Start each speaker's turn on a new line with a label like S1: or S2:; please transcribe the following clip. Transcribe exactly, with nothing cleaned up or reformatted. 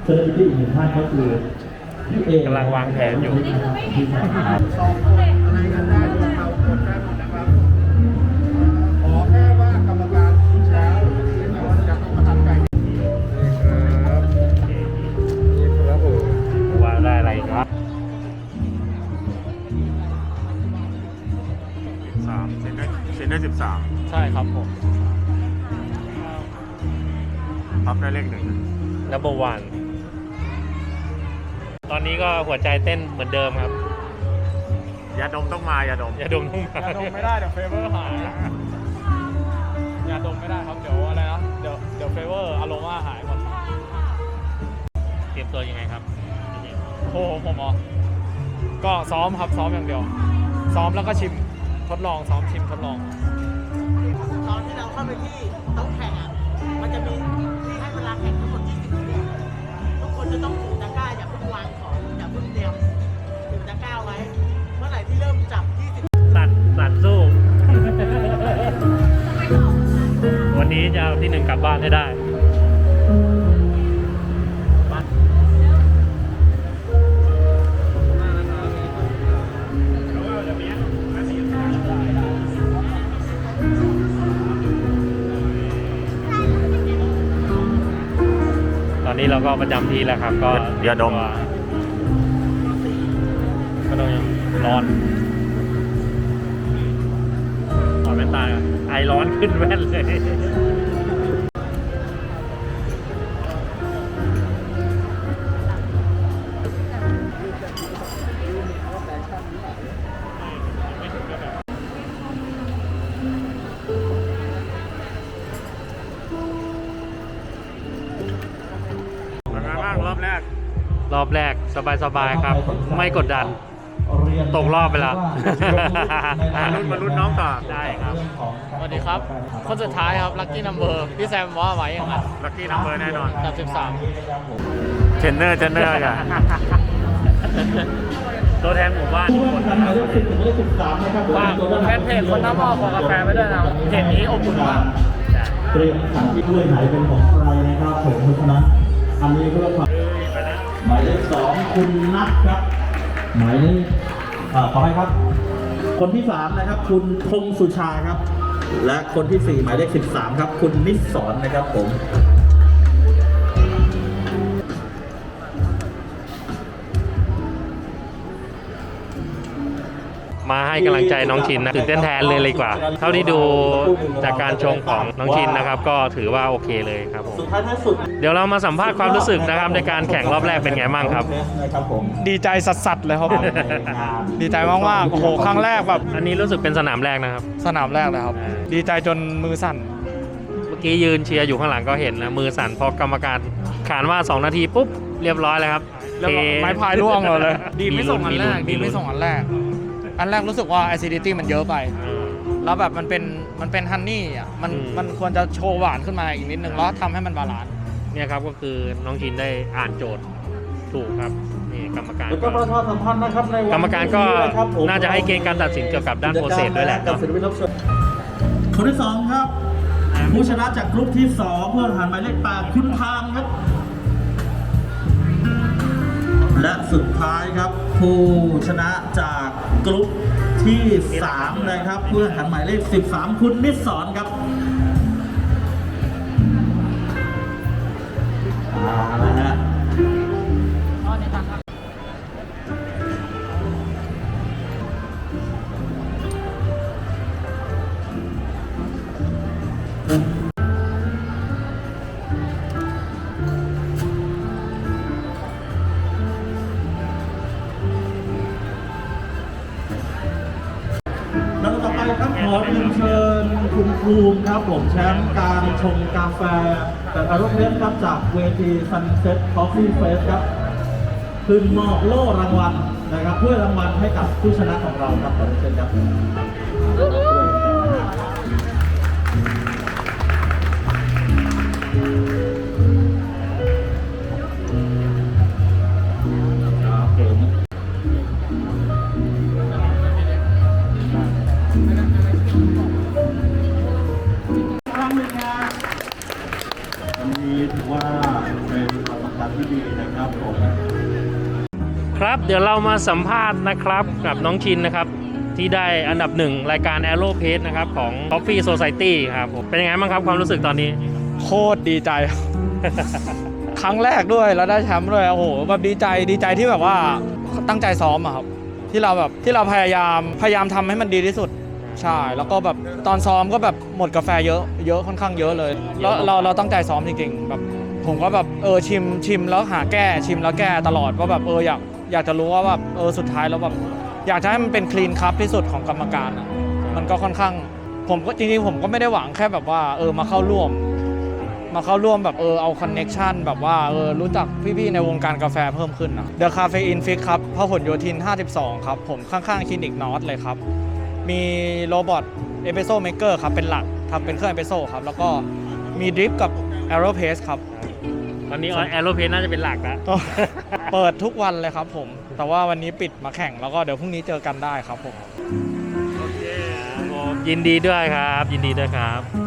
S1: เซเลบริตี้อีกหนึ่งท่านก็คือพี่เอก
S2: ำลังวางแผนอยู่
S3: สองคนอะไรกันได้พวกเราคนได้หมดนะครับขอแค่ว่ากรรมการแล้วจะต้องประทับใจครับนี่ครับผม
S2: ว่าได้อะไรครับ
S3: สามเซนได้เซนได้สิบสาม
S2: ใช่ครับผม
S3: ท็อปได้เลขหนึ่ง
S2: number one ตอนนี้ก็หัวใจเต้นเหมือนเดิมครับ
S3: ยาดมต้องมายาดม
S2: อย่าดมต้องมาย
S4: าดมไม่ได้เดี๋ยวเฟเวอร์หายยาดมไม่ได้ครับเดี๋ยวอะไรนะเดี๋ยวเดี๋ยวเฟเวอร์อารมาหายหมด
S2: เตรียมตัวยังไงครับ
S4: โอ้โหผมอ๋อก็ซ้อมครับซ้อมอย่างเดียว ซ้อมแล้วก็ชิมทดลองซ้อมชิมทดลอง
S5: ตอนที่เราเข้าไปที่โต๊ะแข่งอ่ะ มันจะมีที่ให้เวลาแข่งทั้งหมดยี่สิบนาทีทุกคนจะต้องถือตะกร้าอย่าเพิ่งวางของอย่าเพิ่งเตรียมถือตะกร้าไว้ เมื่อไหร่ที่เริ่มจับยี่สิบ
S2: สั่นสั่นสู้ วันนี้จะเอาที่หนึ่งกลับบ้านให้ได้ตอนนี้เราก็ประจำที่แล้วครับ ก็
S3: ยาดม
S2: ก็ต้องยังร้อนถอดแว่นตาก่อนไอร้อนขึ้นแว่นเลย
S3: เป็นไงบ้างรอบแรก
S2: รอบแรกสบายๆครับ ไม่กดดัน ตกรอบไปแล้ว
S3: มาลุ้นมาลุ้นน้องต่อ
S2: ได้ครับ
S4: สวัสดีครับคนสุดท้ายครับลัคกี้นัมเบอร์พี่แซมว่าไว้อย่างนั้น
S3: ลัคกี้นัมเบอร์แน่นอน
S4: กับสิบสาม
S3: เทรนเนอร์เทรนเนอร์กัน
S2: ตัวแทนหมู่บ้านทุกคน
S1: หมายเลขสิบถึงหมายเลขสิบสามนะครับ
S4: ฝากแฟนเพจคนน้ำหม้อของกาแฟไว้ด้วยนะเพจนี้อบอุ่นมาก
S1: เตรียมขันที่ด้วยไหนเป็นของใครนะครับผมเพราะฉะนั้นอันนี้เพื่อความหมายเลขสองคุณนัทครับหมายเลขอ่าขอให้ครับ คนที่สามนะครับคุณพงสุชาครับ และคนที่สี่หมายเลขสิบสามครับคุณนิสสรนะครับผม
S2: มาให้กำลังใจน้องชินนะตื่นเต้นแทนเลยเลยกว่า เท่าที่ดูจากการชงของน้องชินนะครับ ก็ถือว่าโอเคเลยครับผม
S1: สุดท้ายท้ายสุด
S2: เดี๋ยวเรามาสัมภาษณ์ความรู้สึกนะครับในการแข่งรอบแรกเป็นไงบ้างครับ
S1: นะครับผม
S4: ดีใจสัสๆเลยครับผมดีใจมากๆโอ้โหครั้งแรกแบบ
S2: อันนี้รู้สึกเป็นสนามแรกนะครับ
S4: สนามแรกเลยครับ ดีใจจนมือสั่น
S2: เมื่อกี้ยืนเชียร์อยู่ข้างหลังก็เห็นนะมือสั่นพอกรรมการขานว่าสองนาทีปุ๊บเรียบร้อยเลยครับ
S4: แล้วก็
S2: เท
S4: ไม้พายร่วงเลย ดี
S2: มี
S4: ไม่
S2: ลุ้
S4: ส่
S2: น
S4: งอัน
S2: มี
S4: แร
S2: ลุ้
S4: ก
S2: น
S4: ดีไม่ส่งอันแรก อันแรกรู้สึกว่า acidity มันเยอะไป
S2: เออ
S4: แล้วแบบมันเป็นมันเป็นฮันนี่อ่ะมัน
S2: อืม
S4: มันควรจะโชว์หวานขึ้นมาอีกนิดนึงแล้วทำให้มันบาลานซ์
S2: เนี่ยครับก็คือน้องชินได้อ่านโจทย์ถูกครับนี่กรรมการ
S1: แล้วก็ประชาสัมพันธ์นะครับในวัน
S2: กรรมการก็
S1: นี้นะครับผม
S2: น่าจะให้เกณฑ์การตัดสินเกี่ยวกับด้านโปรเซสด้วยแหละ
S1: กับ
S2: เนาะ
S1: ศิลปินรับเชิญคนที่สองครับ ผู้ชนะจากกลุ่มที่สองเพื่อนหันหมายเลขแปดคุณทางครับ และสุดท้ายครับ ผู้ชนะจากกลุ่มที่สามนะครับเพื่อนหันหมายเลขสิบสามคุณนิสสรครับอ่านะฮะ แล้วต่อไปครับขอเรียนเชิญคุณภูมิครับผมแชมป์การชงกาแฟแต่อารมณ์เพชรครับจากเวที Sunset Coffee Fest ครับขึ้นมอบโล่รางวัลนะครับเพื่อรางวัลให้กับผู้ชนะของเราครับขอเรียนเชิญครับครับผม ครั้งหนึ่งนะวันนี้ถือว่าเป็นความสำคัญที่ดีนะ
S2: ครับเดี๋ยวเรามาสัมภาษณ์นะครับกับน้องชินนะครับที่ได้อันดับหนึ่งรายการ Aero Pace นะครับของ Coffee Society ครับผมเป็นยังไงบ้างครับความรู้สึกตอนนี้
S4: โคตรดีใจ ครั้งแรกด้วยแล้วได้แชมป์ด้วยโอ้โหแบบดีใจดีใจที่แบบว่าตั้งใจซ้อมอะครับที่เราแบบที่เราพยายามพยายามทำให้มันดีที่สุดใช่แล้วก็แบบตอนซ้อมก็แบบหมดกาแฟเยอะเยอะค่อนข้างเยอะเลยแล้วเราเราตั้งใจซ้อมจริงๆแบบผมก็แบบเออชิมชิมแล้วหาแก้ชิมแล้วแก้ตลอดว่าแบบเอออยากอยากจะรู้ว่าแบบเออสุดท้ายแล้วแบบอยากจะให้มันเป็นคลีนคัพที่สุดของกรรมการอะมันก็ค่อนข้างผมก็จริงๆผมก็ไม่ได้หวังแค่แบบว่าเออมาเข้าร่วมมาเข้าร่วมแบบเออเอาคอนเน็กชันแบบว่าเออรู้จักพี่ๆในวงการกาแฟเพิ่มขึ้นนะ The Caffeine Fix ครับพหลโยธินห้าสิบสองครับผมข้างๆคลินิกนอตเลยครับมีโรบอทเอสเปรสโซ่เมกเกอร์ครับเป็นหลักทำเป็นเครื่องเอสเปรสโซ่ครับแล้วก็มีดริปกับ Aero Pace ครับ
S2: ตอนนี้ Aero Pace น่าจะเป็นหลักแล้ว
S4: เปิดทุกวันเลยครับผมแต่ว่าวันนี้ปิดมาแข่งแล้วก็เดี๋ยวพรุ่งนี้เจอกันได้ครับผม
S2: ยินดีด้วยครับยินดีด้วยครับ